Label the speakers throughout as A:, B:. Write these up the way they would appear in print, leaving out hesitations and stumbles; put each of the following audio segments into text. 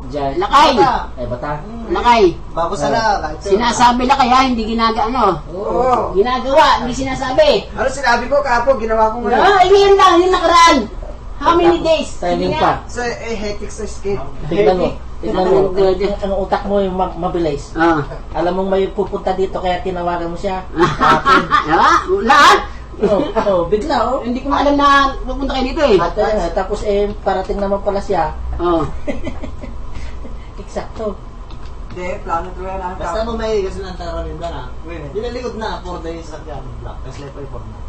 A: Diyan.
B: Lakay!
A: Ay, bata.
B: Lakay!
C: Bago sana.
B: Sinasabi lang kaya, hindi ginagaano.
C: Oo.
B: Ginagawa, hindi sinasabi.
C: Ano sinabi ko kahapon, ginawa ko ngayon.
B: Ngayon lang, yung nakaraan. How many days?
A: Timing
B: Sige
A: pa.
B: nga.
C: So, hectic sa skate.
A: Tignan mo. Tignan mo.
B: Hectic.
A: Ang utak mo yung mabilis.
B: Ah.
A: Alam mong may pupunta dito kaya tinawagan mo siya. Akin.
B: Lahat?
A: Bigla oh.
B: Hindi ko alam na pupunta kayo dito eh.
A: At tapos parating naman pala siya.
B: Oo.
A: Eksakto.
C: Hindi, plano ko yan.
D: Basta mo may kasi ng tararin ba na? Dinalikod na, 4 days sa kyan, black. Tapos lepo yung 4 na.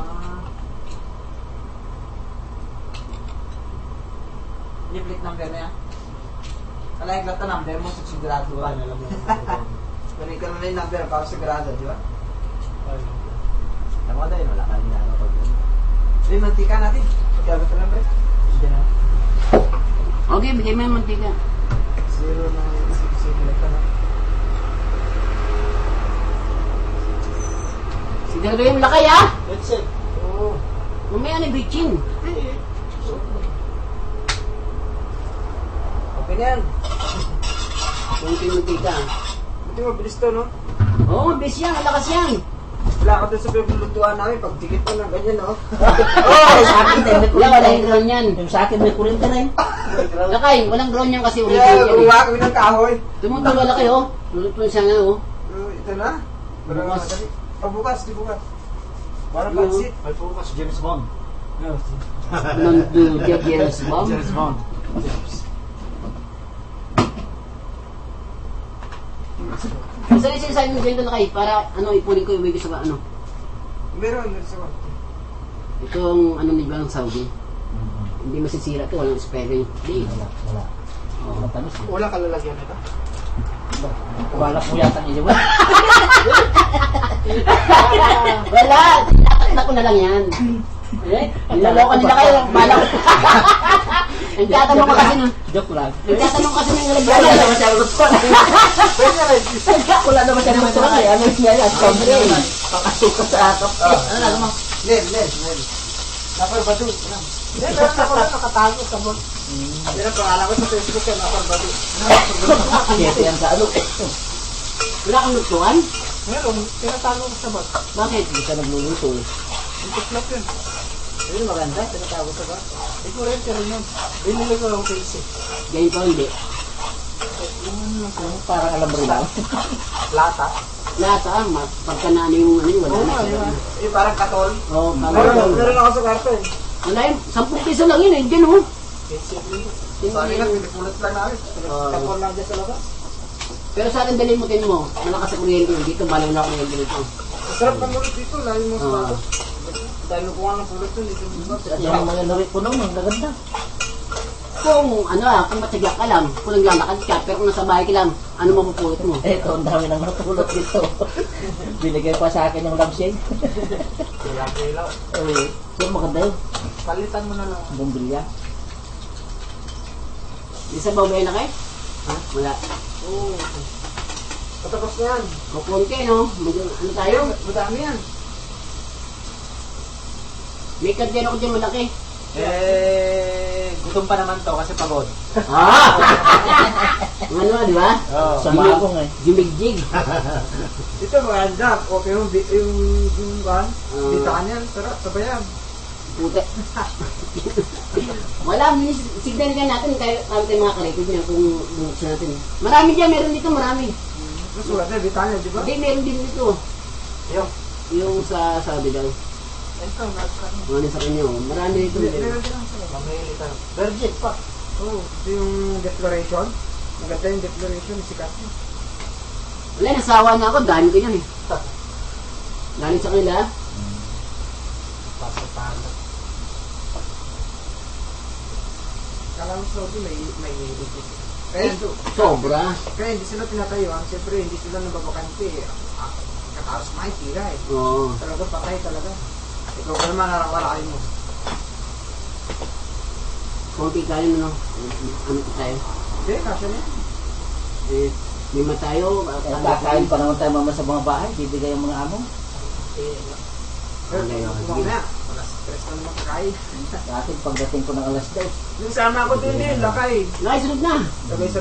C: I-flick number na yan. Kala yung gata number mo, sigurado
D: Wala,
C: ka.
D: alam mo.
C: Kunin ka na yung number para sigurado, di ba?
D: Tama dahil, wala ka ginagawa pag yun.
C: Hindi, mantika natin. Pagkagat ka number.
D: Hindi na.
B: Okay, bigay mo yung mantika.
C: 0 na isip-isip ka na.
B: Siguro yung lakay ah.
D: That's it.
C: Oo.
B: Mamaya na bitchin.
C: Okay na yan.
B: Kunti yung mantika.
C: Buti mabilis to, no?
B: Oo, mabilis yan, malakas yan.
C: Wala ka doon sa pinaglutuan namin. Pag dikit mo ng ganyan, no?
A: Sa akin tayo may
B: Wala, wala yung
A: kuryente.
B: ground yan.
A: Yung sa akin may kuryente rin.
B: Lakay, walang ground yan kasi ulit
C: Kaya,
B: yan.
C: gumawa kami ng kahoy.
B: Tumutuwa lakay oh. Lulutuin siya nga oh.
C: Ito na. Pero
B: Bukas.
C: madali. Bukas, di bukas. Parang
B: Yung-
C: pansit.
D: May focus, James Bond.
B: Nandu, James Bomb.
D: James Bond.
B: Saan yung sinasabi mo dyan lakay para ano ipunin ko iuwi ko sa ano.
C: Meron sa kwarto.
B: Itong ano ni Bang Saudi. Hindi masisira to, walang spelling. Hindi.
A: Wala. Matamis.
C: Wala ka lalagyan nito.
A: Wala po yata niya.
B: Wala! Tatakta ko na lang yan. Eh, niloloko nila kayo. Bala ko. Nagtatanong ko kasi nung...
A: Joke lang.
B: Nagtatanong kasi ng
A: Wala
B: nalagyan.
A: naman siya gusto. Wala naman siya gusto. Ano siya yan? Sobre. Pakasuka sa atap.
C: Ano na naman? Len. Napar Badu. Hindi, meron ako na nakatago sa mo. Yan ang pangalan ko sa Facebook yan, Napar Badu.
A: Kaya yan sa ano.
B: Wala kang lutuan?
C: Meron, tinatago ko sa bot.
B: Bakit?
A: Hindi ka nagluluto eh.
C: Ito flop yun.
B: Ayun, maganda. Tinatago sa ba?
C: Hindi ko rin, pero yun. Binili ko lang face eh.
B: Ganyan pa hindi.
A: Parang alam rin lang.
C: Lata.
B: Lahat ah, pagka na ano yung ano yung wala
C: Oo
B: na.
C: nga, di ba? Yung parang katol.
B: Oo,
C: Meron ako sa kwarto eh.
B: wala yun. 10 piso lang yun eh. Diyan oh.
C: Sorry nga, pinipulat lang namin. Katol lang dyan sa labas.
B: Pero sa atin dalimutin mo, malakas sa kuryente yun. Dito, balaw na kuryente dito.
C: Masarap ng ulit dito, layo mo sa
B: Oo.
C: bato. Dahil nakuha ng pulot yun, dito mo
A: At yung mga narit ko naman, naganda.
B: Kung ano ah, kung matyaga ka lang, kung naglalakad ka, pero kung nasa bahay ka lang, ano mapupulot mo?
A: Eto, ang dami nang natulot dito. Binigay pa sa akin yung lampshade.
C: Kailang-kailang.
A: So, maganda yun.
C: Palitan mo na lang.
A: Bumbilya.
B: Isa ba na kayo? Ha? Wala.
C: Oo. Patapos na yan.
B: O konti no? Ano tayo?
C: Madami yan.
B: May kadyan ako dyan malaki.
D: Gutom pa naman to kasi pagod.
B: Ah! Ang ano di ba?
D: Oo.
A: Sa magong eh.
B: Jumigjig.
C: Ito maganda. Okay yung ban. Bitaan yan. Sarap. Sabayan.
B: Puta. Wala, signal ka natin tayo mga karekoy niya kung buksan natin. Marami dyan, meron dito marami.
C: Mas maganda. Bitaan yan, di ba?
B: Hindi, meron din dito.
C: Yung.
B: Yung sa sabi daw.
C: Ito, nagkano.
B: Ano sa kanya, oh. Marami dito.
C: Meron din ang sarap.
D: Mamilitan.
C: Virgin pa. Oo. Ito yung declaration. Maganda yung declaration. Sikat yun.
B: Wala, nasawa na ako. Dami ko yan eh. Galing sa kanila.
D: Pasapalo.
C: Kala mo Saudi may kaya
B: Sobra.
C: kaya hindi sila tinatayuan. Siyempre, hindi sila nababakante. Kataros may tira eh.
B: Oo.
C: Talaga patay talaga. Ikaw ka naman narawala mo.
B: Konti kayo, no? Ano pa tayo?
C: Hindi, kasya na yan.
B: Eh, lima tayo.
A: Kakain pa naman tayo mama sa mga bahay. Bibigay ang mga amo.
C: Pero,
B: Okay, okay.
C: kumang na. Wala stress na naman kakain.
A: Sa akin, pagdating ko ng alas 10.
C: Yung sama ko din lakay.
B: Nakasunod na.
C: Sabay sa